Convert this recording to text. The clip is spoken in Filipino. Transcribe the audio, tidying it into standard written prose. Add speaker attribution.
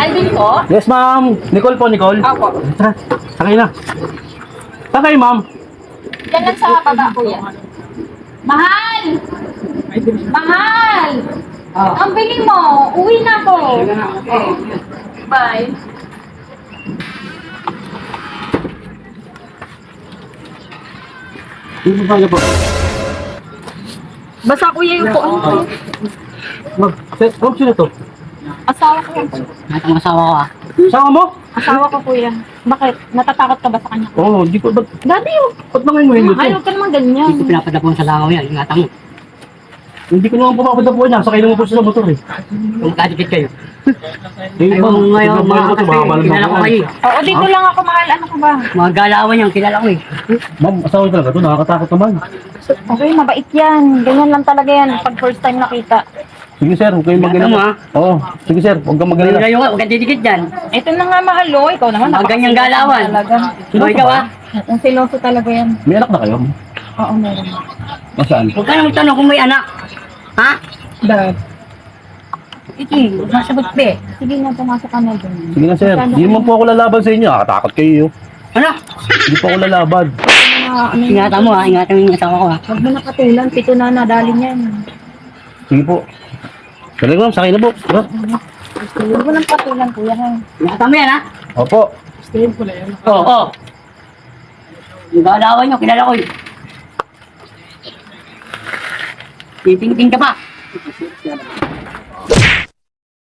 Speaker 1: Alvin po?
Speaker 2: Yes, ma'am. Nicole po, Nicole.
Speaker 1: Opo.
Speaker 2: Tara, sakay na. Sakay, ma'am.
Speaker 1: Yan lang sa baba po yan. Mahal! Mahal! Ang biling mo, uwi na ako. Bye.
Speaker 2: Dito pa po.
Speaker 1: Basta kuya yung po.
Speaker 2: Ma'am, sino to?
Speaker 1: Asawa ko yan.
Speaker 3: Ang asawa ko ah.
Speaker 2: Sama mo?
Speaker 1: Asawa ko kuya. Bakit? Natatakot ka ba sa kanya?
Speaker 2: Oo, di ko.
Speaker 1: Daddy,
Speaker 2: Ba't na ngayon mo hindi
Speaker 1: ayaw
Speaker 2: to?
Speaker 1: ka naman ganyan.
Speaker 3: Hindi ko pinapadapon sa langaw yan. Ingatan mo.
Speaker 2: Hindi ko naman pumapadapuan niya. Sakay naman po sa motor eh.
Speaker 3: Kung kadikit kayo.
Speaker 2: Eh,
Speaker 3: Ayaw mo ngayon mga
Speaker 2: ito, baka
Speaker 3: kasi.
Speaker 2: malam
Speaker 3: Kilala ko
Speaker 2: ako.
Speaker 3: kayo.
Speaker 1: Oo, dito lang ako mahal. Ano ko ba?
Speaker 3: Mga galawan yan. Kilala ko eh.
Speaker 2: Ma'am, asawa niyo talaga to. Nakakatakot naman.
Speaker 1: Okay, mabait yan. Ganyan lang talaga yan pag first time nakita.
Speaker 2: Sige, sir. Huwag kayong
Speaker 3: Ingatan mo,
Speaker 2: mag-alala. Oo. Sige, sir. Huwag kang mag-alala.
Speaker 3: Ngayon ka. Huwag kang didikit dyan.
Speaker 1: Ito na nga mahal, oh. Ikaw naman.
Speaker 3: Mga ganyang galawan.
Speaker 1: Talaga.
Speaker 3: O ikaw ah.
Speaker 1: Ang siloso talaga yan.
Speaker 2: May anak na kayo?
Speaker 1: Oo, meron.
Speaker 2: Masaan?
Speaker 3: Huwag ka nang magtanong kung may anak. Ha?
Speaker 1: Dad.
Speaker 3: Iki. Masagot be.
Speaker 1: Sige na, pumasok ka na dun.
Speaker 2: Sige na, sir. Hindi naman po ako lalaban sa inyo. Nakakatakot kayo.
Speaker 3: Ano?
Speaker 2: Hindi po ako lalaban.
Speaker 1: Ano,
Speaker 3: Ingatan mo ah. Ingatan mo yung asawa ko ah.
Speaker 1: Huwag mo na patulan. Pito na nadali niyan.
Speaker 2: Sige po. Sige, ma'am. Sakay na po. Tara.
Speaker 1: Huwag mo nang patulan, kuya. Ha?
Speaker 3: Ingatan mo yan ha.
Speaker 2: Opo.
Speaker 3: Oo. Oh. Yung galawan nyo. Kilala ko eh. Titingting ka pa.